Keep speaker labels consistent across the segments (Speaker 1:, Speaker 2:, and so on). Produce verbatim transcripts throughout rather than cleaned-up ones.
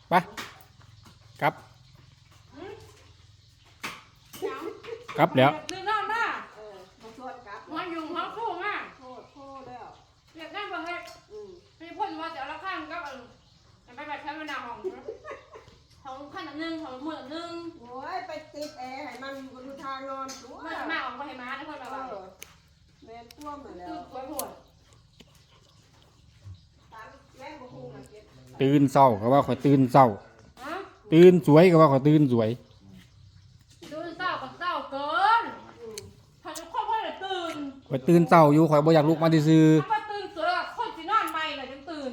Speaker 1: ไปครับกลับแล้ว
Speaker 2: ลืมน้องมาเออมาชวนกลับมาอยู่ห้องคู่มาโทษโทษแล้วเรียกนั่งประเทศมีพ่นว่าจะเอาละข้างกับไปแบบใช้เวลาห้องห้องขั้นหนึ่งห้องมือหนึ่งโอ้ยไปติดแอร์ให้มันอยู่บนทางนอนมันมาออกมาให้มาแล้วคนแบบว่าแม่ท่วมมาแล้วสวยหมด
Speaker 1: ตื่นเศร้าก็ว่าข่อยตื่นเศร้าตื่นสวยก็ว่าข่อยตื่นสวย
Speaker 2: ตื่นเศร้ากับเศร้าเกินถ้าจะครอบครัวเลยตื่น
Speaker 1: ข่อยตื่นเศร้าอยู่ข่อยบ่อยากลุกมาซื่อ
Speaker 2: ถ้าตื่นสวยคนที่นอนใหม่เลยยังตื่น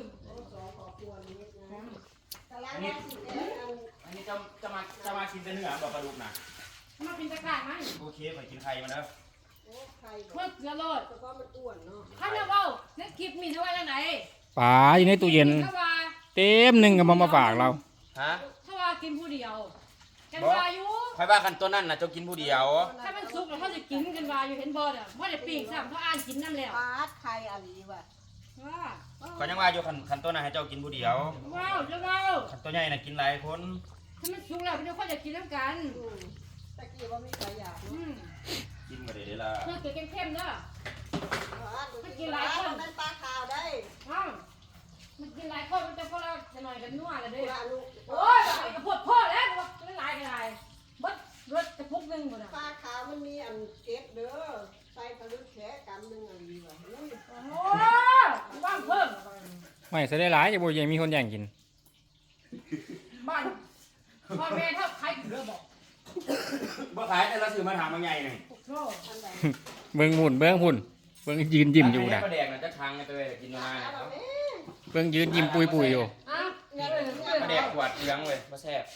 Speaker 3: อันนี้อันนี้จะจะมาจะมากินแต่เนื้อแบบปลาดุกนะ
Speaker 2: มาเป็นตะการไหม
Speaker 3: โอเคไปกินไข่มาแล้ว
Speaker 2: เมื่อเสือโลดแต่ก็มันอ้วนเนาะถ้าเนี่ยว่าในคลิปมีเท่าไหร่ไหน
Speaker 1: ปลาอยู่ในตู้เย็นเต็มหนึ่งกับมามาฝากเรา
Speaker 3: ฮะ
Speaker 2: ถ้าว่ากินผู้เดียวกันวาอยู่
Speaker 3: ใครบ้ากันตัวนั่นน่ะจะกินผู้เดียว
Speaker 2: ถ้ามันสุกแล้วเขาจะกินกันวาอยู่เห็นบอลอ่ะว่าจะปีกซ้ำเขาอ่านกินน้ำแล้ว
Speaker 4: ปลาไข่อะไรวะ
Speaker 2: ว่า
Speaker 3: เขายังว่าอยู่ขันขันตัวน่ะให้เจ้ากินผู้เดียว
Speaker 2: ว้าวจะว้าว
Speaker 3: ขันตัวใหญ่น่ะกินหลายคน
Speaker 2: ถ้ามันสุกแล้วพี่น้องเขาจะกินน้ำกัน
Speaker 4: ตะกี้ว่ามีใครอยาก
Speaker 3: กินมาเดี๋ยวละ
Speaker 2: เพื่อเกิดเข้มๆเด้อ
Speaker 4: มันกินหลายคนมันปลาขาวได้
Speaker 2: มันกินหลายคนมันจะพอเราจะหน่อยกันนัวเลยเด้อโอ้ยกระพุ้พ่อแล้วไม่หลายกันหลายบัดรถจะพุกนึงหมดอ่ะ
Speaker 4: ปลาขาวมันมีอันเก็บเด้อใส่กระลุกแขกำนึงอะไรวะ
Speaker 2: โอ้ว่างเพิ่ม
Speaker 1: ไม่ใส่ได้หลายจะบ่ยังมีคนแย่งกิน
Speaker 2: บ้านพ่อแม่ถ้าใครเรือบอก
Speaker 3: บ่ขายแต่เราซื้อมาถามมาใหญ่หนึ่ง
Speaker 1: เบิ้งหุ่นเบิ้งหุ่นเบิ้งยืนยิ้มอยู่นะ
Speaker 3: ก็แดงนะจะทางกันเลยกินมาเนี่ย
Speaker 1: เบิ้งยืนยิ้มปุยปุยอยู่
Speaker 3: ก็แดงขวดเลี้ยงเลยมาแซ่บ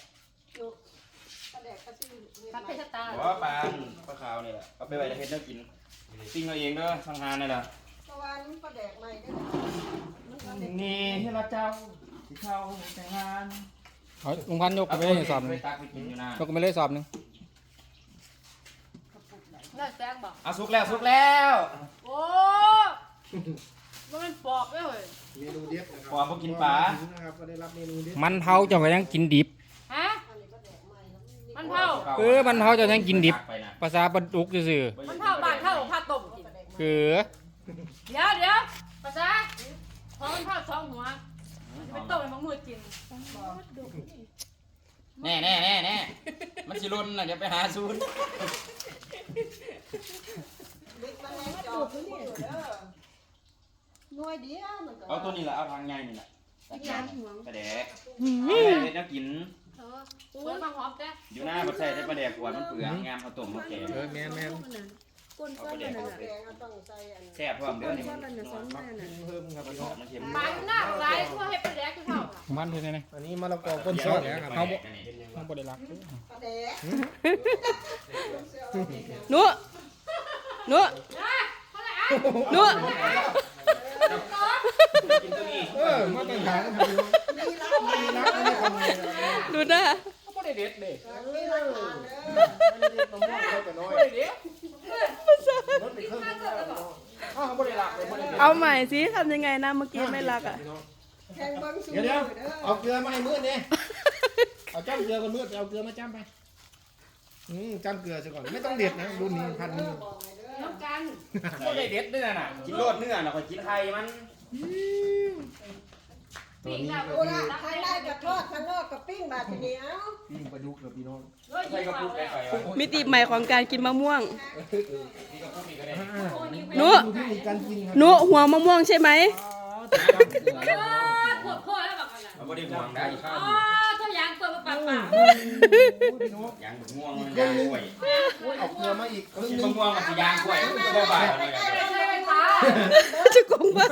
Speaker 2: พัดเพชรตา
Speaker 3: หัวปลาปลาขาวนี่แหละเอาไปไว้ในเพชรเนื้อกินปิ้งเอาเองเด้อสังหารนี่แหละ
Speaker 4: ประวันปลาแดกใหม่
Speaker 3: ก็นี่ที่เราเจ้าที่เขาแต่งงาน
Speaker 1: เอาลุงพันยกไปเลยสอบนึงยกไปเลยสอบนึง
Speaker 2: น่าแซงบอก
Speaker 3: เอาสุกแล้วสุกแล้ว
Speaker 2: โอ้มันปอบเลย
Speaker 5: เมนูเด็ด
Speaker 3: ปอบพวกกินปลา
Speaker 1: มันเผาเจ้าก็ยังกินดิบ
Speaker 2: ฮะมันเผา
Speaker 1: เออมันเผาเจ้ายังกินดิบภาษาปลาดุกซื่อ
Speaker 2: มันเผาบ้านเผาผ้าต้มกิน
Speaker 1: คือ
Speaker 2: เดี๋ยวเดี๋ยวภาษาพอมันเผาสองหัวไปต้มให้มันมืดกิน
Speaker 3: แน่แน่แน่แน่มันสิรุนน่ะอย่าไปหาซูน
Speaker 4: น้อยเดียวมันก็
Speaker 3: เอาตัวนี้แหละเอาทางใหญ่นี่แหละกระแดกเด็ดน้ำกินอยู่หน้าประเทศได้ประแดกขวดมันเปลืองงามเขาต้มเขาแกง
Speaker 5: เออแม่แม่
Speaker 3: เอาประแดกแซ่บเพิ่มเดี๋ยวนี้
Speaker 5: เพิ่มครับพี่น้อง
Speaker 2: มันเค็มปลาหน้าหลายเพื่อให้ประแดกคือเขา
Speaker 1: มันเท่านั้น
Speaker 5: อันนี้มะละกอก้นซ้อนนะครับเขา
Speaker 1: เขาบริลัก
Speaker 4: นัวนัวนัว
Speaker 5: เออมาตั้งขายกันพี่น้องมีรักอันนี้คน
Speaker 4: ดูนะ
Speaker 1: เขาไม่ได้เด็ดเลย
Speaker 4: เอาใหม่สิทำยังไงนะเมื่อกี้ไม่รักอ่ะ
Speaker 5: เดี๋ยวเดี๋ยวเอาเกลือมาให้มืดเนี่ยเอาจ้ำเกลือกันมืดเอาเกลือมาจ้ำไปอืมจ้ำเกลือซะก่อนไม่ต้องเด็ดนะรุ่นนี้พันมือ
Speaker 2: น้ำกัน
Speaker 3: ก็ได้เด็ดด้วยน่ะกินโลดเนื้อน่ะคอยกินไข่มัน
Speaker 4: ตัวนี้โอ้ละทางได้กับทอดทางนอกกับปิ้งบาดเหนียว
Speaker 5: ปิ้งปลาดุกกับพี่น้อง
Speaker 4: มิติใหม่ของการกินมะม่วงนุ นุหัวมะม่วงใช่ไหม
Speaker 2: ปวดคอแล้วแบบอะไร
Speaker 3: เอาไม่ได้ห่วงได้ข้าว
Speaker 2: อ๋อตัวยางเปิดมาปากปาก
Speaker 3: ยางม่วงยางกล้วย
Speaker 5: เอาเกลือมาอีก
Speaker 3: กินมะม่วงกับยางกล้วยมันก็บ่ายเลย
Speaker 4: จะกงบ้า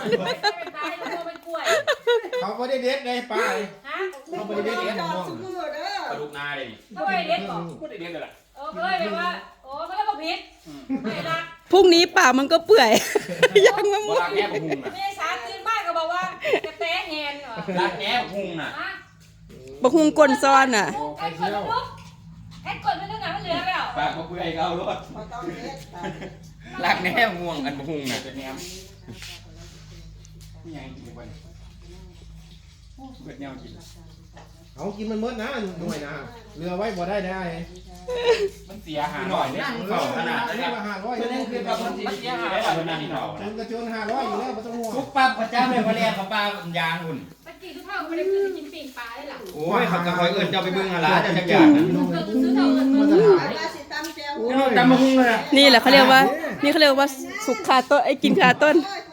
Speaker 5: เขาไม่ได้เด็ดเลยป้าเขาไม่ได้เด็ดเลยมอง
Speaker 3: ปลาดุกนาเลย
Speaker 2: ก็ไม่เด็ดหรอก
Speaker 3: ก็ได้เด็ดเลยล่ะ
Speaker 2: เออเลยแบบว่าโอ้ไม่ได้บอกผิดไม่รัก
Speaker 4: พรุ่งนี้ป่ามันก็เปื่อยยังมะม่วง
Speaker 3: รักแง่บุ้งน่ะ
Speaker 2: ไม่สาตื่นมากก็บอกว่าจะเตะแหนเหรอ
Speaker 3: รักแง่บุ้งน่ะ
Speaker 4: บะฮุงกลนซ้อนน่ะ
Speaker 2: ไอ้กดลุกไอ้กดมันนึกหนามันเหลือแล้ว
Speaker 3: ปากมะเปื่อยเขาลวดรักแง่ม่วงอันบุ้งน่ะเป็นแง่นี่ยังกินไปเบิดแนวกิน
Speaker 5: เอากินมันหมดนะหน่วยนะเรือไว้บ่ได้ได้
Speaker 3: มันเสียหาหน่อยเนี่ยเข่าขนาด
Speaker 5: นี้
Speaker 3: นี้
Speaker 5: ว่าห้าร้อย
Speaker 3: เพื่อน
Speaker 5: นี่
Speaker 3: คื
Speaker 5: คือ อ
Speaker 3: กับมันเสียหายแบบนั้นนี่เนาะ
Speaker 5: จนกระจนห้าร้อยอยู่แล้วไม่ต้องห่วง
Speaker 3: ทุกปั๊บประจำเลยพอเรียกเขาปลายางหุ่น
Speaker 2: ตะกี้ทุกเท่าก็ไม่ได้คือกินปีนปลาได้หรอ
Speaker 3: โอ้ยเขาจะคอยเอิ้นเจ้าไปเบิ่งอะไรจะจักอย่างนั้น
Speaker 2: ซื้อเท่าเงิน
Speaker 5: มา
Speaker 2: เงิ
Speaker 5: ตร
Speaker 2: น
Speaker 5: ฐาน
Speaker 4: มาสิตำแจว
Speaker 3: โอ้ยจำมาหุ้งเลย
Speaker 6: นี่แหละเขาเรียกว่า นี่เขาเรียกว่าสุกคาต้นไอ้กินคาต้น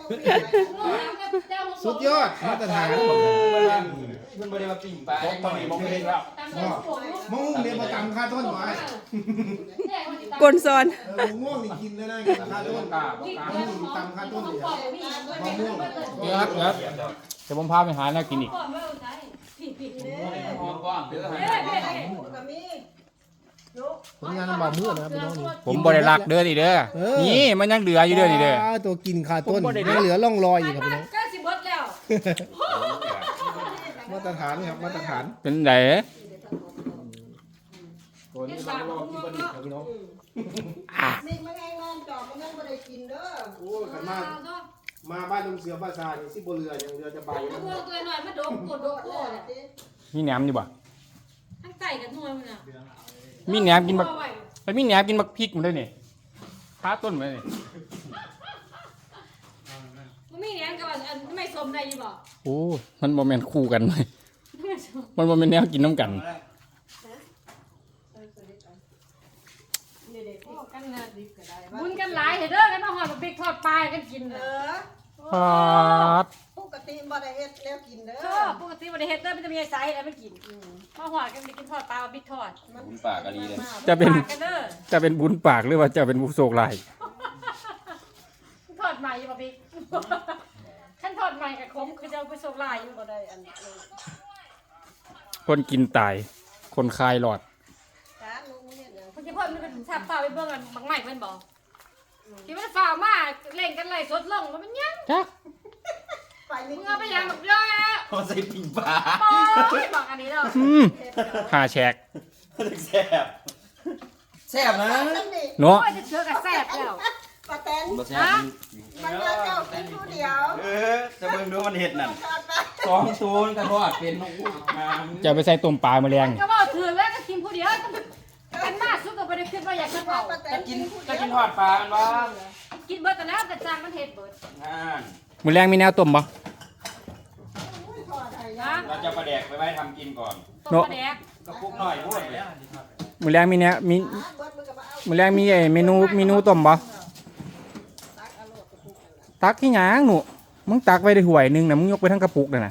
Speaker 5: สุดยอดมาตรฐาน
Speaker 3: มันบ่ได้มาปิ้งปลาต้องมีบ่เป็นแล้ว
Speaker 5: มะม่วงเนี่ยมาตำค่าต้นไว้
Speaker 6: กลซอน
Speaker 5: เออมะม่วงนี่กินได้นะกินค่าต้น
Speaker 3: กล้าบ่
Speaker 5: มะม่วงตำค่าต้นเลยมะม่วง
Speaker 1: เดี๋ยวครับเดี๋ยวเดี๋ยวผมพาไปหาแนวกินอีก
Speaker 3: หอมกว้างเด้อ
Speaker 4: ก็มี
Speaker 5: ผลงานลำบากมืดนะครับพี่น้องนี่
Speaker 1: ผมบ่ได้รักเด้อนี่เด้อ
Speaker 5: เออ
Speaker 1: นี่มันยังเหลืออยู่เด้อนี่เด้อ
Speaker 5: ตัวกินค่าต้น
Speaker 1: ผมบ่ได้
Speaker 5: ยังเหลือร่องรอยอยู่ครับพี่น้อง
Speaker 2: ก็สิบดแล้ว
Speaker 5: มาตรฐานครับมาตรฐาน
Speaker 1: เป็นได
Speaker 5: ตัวนี้เรารอกินบะหมี่ครับพี่น้อง
Speaker 4: นี่มันไงงานจอบมันยังไม่ได้กินเด้อ
Speaker 5: โอ้ยขันมามาบ้านลุงเสือบ้านซานี่สิบเรืออย่างเรือจะเบา
Speaker 2: พวกตัวหน่อยมาดมกดดกโคตร
Speaker 1: มีแหนมอยู่บ่
Speaker 2: ทั้งไก่กับนวลมันอ่ะ
Speaker 1: มีแหนมกินบักไปมีแหนมกินบักพริกมันด้วยนี่ค้าต้นมันนี่
Speaker 2: มันมีแหนมกับอันไม่สมได้ยี่บอก
Speaker 1: โอ้มันบ่แม่นคู่กันเลยมันบ่แม่นแนวกินน้ำกัน
Speaker 2: กันเงินบุญกันหลายเห็นเด้อกันมาหอดบิ๊กทอดปลากันกิน
Speaker 4: เอ
Speaker 2: เด้อ
Speaker 4: อ
Speaker 1: ปาด
Speaker 4: ปกติบ่ได้เฮ็ดแล้วกินเด้อ
Speaker 2: ชอบปกติวันนี้เฮ็ดเด้อมันจะมีไซส์อะไรไม่กินมาหอดกันไปกินทอดปลาบิ๊กทอด
Speaker 3: คุณปากกะลีเลย
Speaker 1: จะเป็น
Speaker 2: ปลากันเด้อ
Speaker 1: จะเป็นบุญปากหรือว่าจะเป็นบุญโศกลาย
Speaker 2: ทอดใหม่อยู่ป่ะบิ๊กขั้นทอดใหม่กับคมคือจะเอาไปส่งลายอยู่
Speaker 4: บ่ได้อัน
Speaker 1: คนกินตาย คนคลายหลอด
Speaker 4: การลุงเฮ็ดหยัง
Speaker 2: คุณจะพ่อมันเป็นสับฝ่าไปเบิ่งกันบางใหม่เพิ่นบอกที่มันฝ่ามาเล่นกันไล่สดลงมันเป็นยัง
Speaker 1: จัก
Speaker 4: ไปนี่
Speaker 2: มึงเอาไปยังแบบเยอะ
Speaker 3: เขาใส่ปิ้งปลา
Speaker 2: โอ้ยบอกอันนี้เด้อ
Speaker 1: อืมหาแฉก
Speaker 3: แซ่บแซ่บนะ
Speaker 4: นั่นนี่
Speaker 1: เนาะ
Speaker 2: โอ้ยจะเชื่อกับแซ่บแล้ว
Speaker 4: ปาแตน
Speaker 3: บ่แซ่บ
Speaker 4: มันเลือกเจ้ากินผู้เดียว
Speaker 3: เออจะเบิ่งดูมันเห็ดนั่น
Speaker 4: ทอดไป
Speaker 3: สองศูนย์กระทอดเป็นนกฮูกมา
Speaker 1: จะไปใส่ต้มปลาแมลง
Speaker 2: ก็บอกถือแล้วก็กินผู้เดียวกันมากสุดก็ไม่ได้คิดว่าอยากจะเผา
Speaker 4: ปาแต
Speaker 3: จะ
Speaker 4: น
Speaker 3: กิ
Speaker 4: กิ
Speaker 3: น
Speaker 4: นผู้
Speaker 3: จะ
Speaker 4: เดียว
Speaker 3: กินทอดปลาอันบ้าง
Speaker 2: กินเบิดแต่แล้วแต่จางมันเห็ดเบิด
Speaker 3: งาน
Speaker 1: แมลงมีแนวต้มบ่
Speaker 4: ทอดให้
Speaker 2: นะ
Speaker 3: เราจะประแดกไปไว้ทำกินก่อน
Speaker 2: ต้มปลาแดก
Speaker 3: กระปุกหน่อยพูดเลย
Speaker 1: แมลงมีแนวมี
Speaker 4: เบิดมันก็มาเอา
Speaker 1: แมลงมีไอ้เมนูเมนูต้มบ่
Speaker 4: ตักเอาโลดกระปุกนั่นล่ะ
Speaker 1: ตักที่หยังหนูมึงตักไว้ในห่วยหนึงนะมึงยกไปทั้งกระปุกน่ะนะ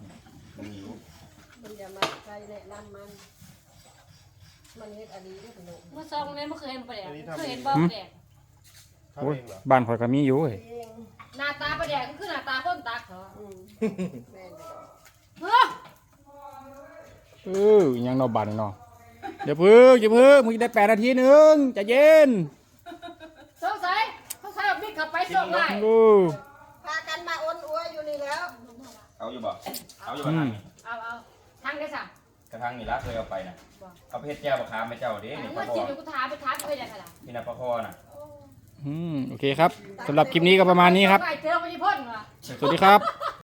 Speaker 4: มันอย่ามาใส่แนะนำมัน มันเฮ็ดอันนี้ด้วยขนม
Speaker 2: เมื่อซองนี้เมื่อเคยเห็นปลาแดกเคยเห็นบ่ปลาแดก
Speaker 1: โอ้ยบ้านข่อยก็มีอยู่เว้ย
Speaker 4: เอง
Speaker 2: หน้าตาปลาแดกก็คือหน้าตาคนตักเหรอ
Speaker 4: อืมแม่นบ่
Speaker 2: เฮ้อ
Speaker 1: เอออิหยังเนอบานเนาะเดี๋ยวพึ่งเดี๋ยวพึ่งมึงได้แปดนาทีหนึงใจเย็น
Speaker 2: สงสัยสงสัยเอาบิ๊กกลับไปส่งได้
Speaker 1: โอ้
Speaker 4: พากันมาอ้วนอัวอยู่นี่แล้ว
Speaker 3: เอาอยู่บ่เอาอยู่บ่ทางนี้
Speaker 2: เอาเอาทางได้สั่ง
Speaker 3: กระทั่งนี่ละเคยเอาไปนะเอาไปเฮ็ดแก้วบะขามไปเจ้าเด้นี่ป
Speaker 2: เมื่
Speaker 3: ลา
Speaker 2: อ
Speaker 3: ค
Speaker 2: กิ
Speaker 3: อน
Speaker 2: อยู่กูถามไปถามไปได้ขนาด
Speaker 3: นี่นะปลาคอน่ะ
Speaker 1: อืมโอเคครับสำหรับคลิปนี้ก็ประมาณนี้ครับ
Speaker 2: ไปเจอไปที่พ่นว่ะ
Speaker 1: สวัสดีครับ